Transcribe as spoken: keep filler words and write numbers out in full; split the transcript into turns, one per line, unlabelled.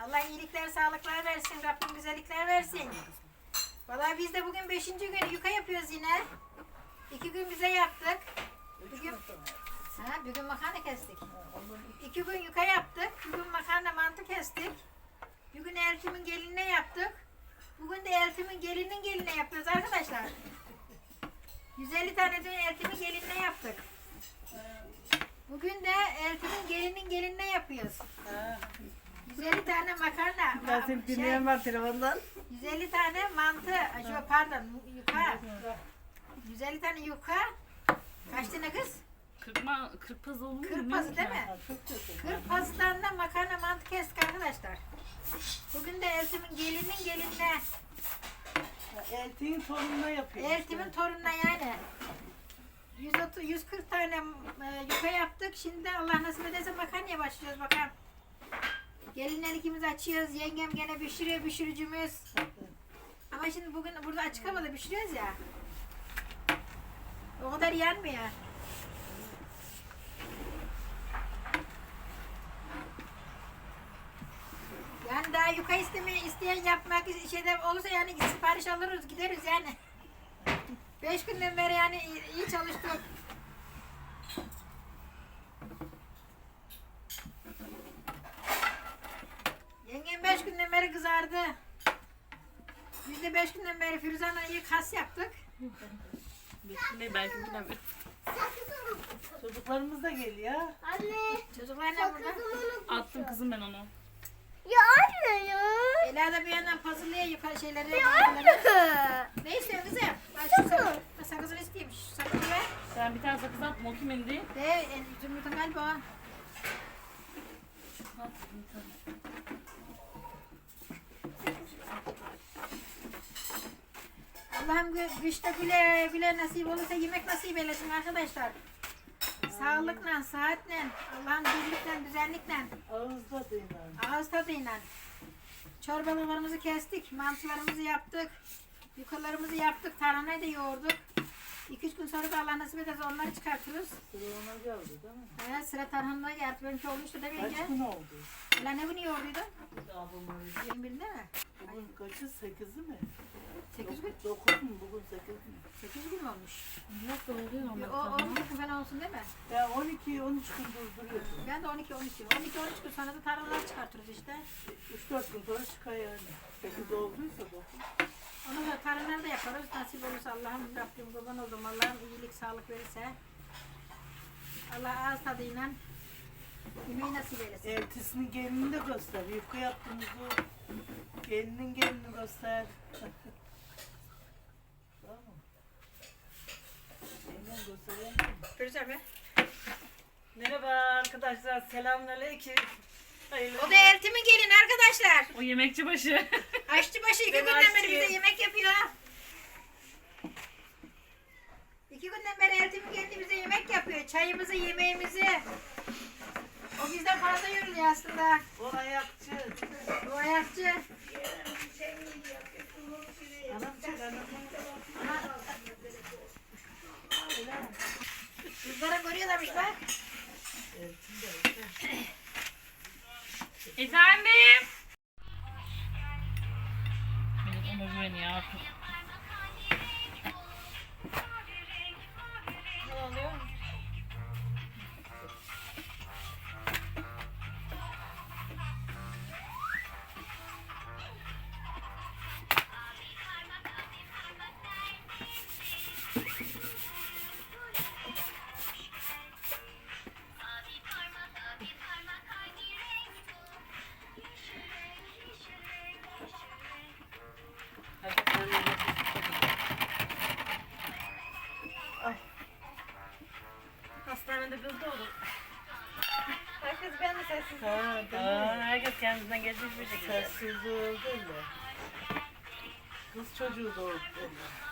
Allah iyilikler, sağlıklar versin. Rabbim güzellikler versin. Vallahi biz de bugün beşinci gün yuka yapıyoruz yine. İki gün bize yaptık. Bugün, ha, bir gün makarna kestik. İki gün yuka yaptık. Bir gün makarna mantı kestik. Bir gün Eltim'in gelinine yaptık. Bugün de Eltim'in gelinin geline yapıyoruz arkadaşlar. yüz elli tane dün Eltim'in gelinine yaptık. Bugün de Eltim'in gelinin gelinine yapıyoruz. yüz elli tane makarna.
Ben seni dinleyen var telefondan.
yüz elli tane mantı, şu pardon yuka. yüz elli tane yuka. Kaç tane kız?
Kırpma, kırpaz olur mu?
kırk pazı değil mi? kırk pazılarında makarna mantı kestik arkadaşlar. Bugün de Eltim'in gelinin gelinine.
Elti'nin torununa yapıyor.
Eltim'in torununa yani. yüz otuz, yüz kırk tane e, yuka yaptık. Şimdi de Allah nasip ederse makarnaya başlayacağız bakalım. Gelinler ikimiz açıyoruz. Yengem gene pişiriyor, pişiricimiz. Ama şimdi bugün burada açık havada pişiriyoruz ya. O kadar yanmıyor. Yani daha yuka istemeyi isteyen yapmak şeyler olursa yani sipariş alırız gideriz yani. Beş günden beri yani iyi, iyi çalıştık. Yengem beş günden beri kızardı. Biz de beş günden beri Firuzan'la iyi kas yaptık.
Ne belki bilemem.
Çocuklarımız da geliyor.
Anne.
Çocuklar ne burada?
Attım kızım ben onu.
Ya anne ya.
Ela da bir yandan puzzle'lıya yukarı şeyleri.
Ya anne.
Ne istiyorsun kızım? Ben şu sakız, sakızını isteyeyim. Şu sakızı ver.
Sen bir tane sakız at. O kimin değil?
De e, Zümrüt'ün galiba o.
At, tamam.
Allah'ım gü- güçte güle güle nasip olursa yemek nasip eylesin arkadaşlar. Sağlıkla, saatle, Allah'ın birlikle, düzenlikle,
Ağızda değil yani.
ağız tadıyla. Çorbalarımızı kestik, mantılarımızı yaptık, yukalarımızı yaptık, tarhanayı da yoğurduk. iki üç gün sonra da Allah nasip ederse onları çıkartırız.
Sıra ona geldi değil mi?
Evet, sıra tarhanaya geldi. Benimki olmuştu değil mi
Kaç
yenge?
gün oldu?
Ulan ne günü yoğurduydu?
Ablamın
yirmi birinde mi?
bugün kaçı? Sekizi mi?
sekiz gün.
Dokuz mu? Bugün sekiz mi?
sekiz gün mü olmuş?
Yok da oluyor
O
ama.
on iki gün falan olsun değil mi?
Ya on iki on üç gün durduruyorsun.
Ben de on iki on üç gün. on iki on üç gün sonra da tarhanalar çıkartırız işte.
üç dört gün sonra çıkar yani. sekiz olduysa dokuz.
Onu da tarhanaları da yaparız. Nasip olursa Allah'ım Rabbim kurban oldum. Allah'ım iyilik sağlık verirse. Allah ağız tadıyla yemeği nasip eylesin.
Eltisinin gelini de göster. Yufka yaptığımızı gelinin gelini göster. Tamam mı? Yengen göstereyim mi?
Göreceğim mi?
Merhaba arkadaşlar. Selamünaleyküm. Hayırlı.
O da Eltim'in gelin arkadaşlar.
O yemekçi başı.
Aşçıbaşı iki
Ben
günden beri
aşçıyım.
bize yemek yapıyor. İki günden beri Eltim'in gelini bize yemek yapıyor. Çayımızı, yemeğimizi. O bizden fazla yoruluyor aslında.
O ayakçı.
Bu ayakçı.
Anam çek anam.
Kızlara görüyorlarmış bak.
Efendim. Evet ona güveniyor artık.
Ne oluyor?
Hastanede kız doğdu.
Herkes ben de sessiz.
Ha, değil
Aa,
mi?
herkes kendinden geçmiş bir şekilde.
Sessiz oldu öyle. Kız çocuğu doğdu öyle.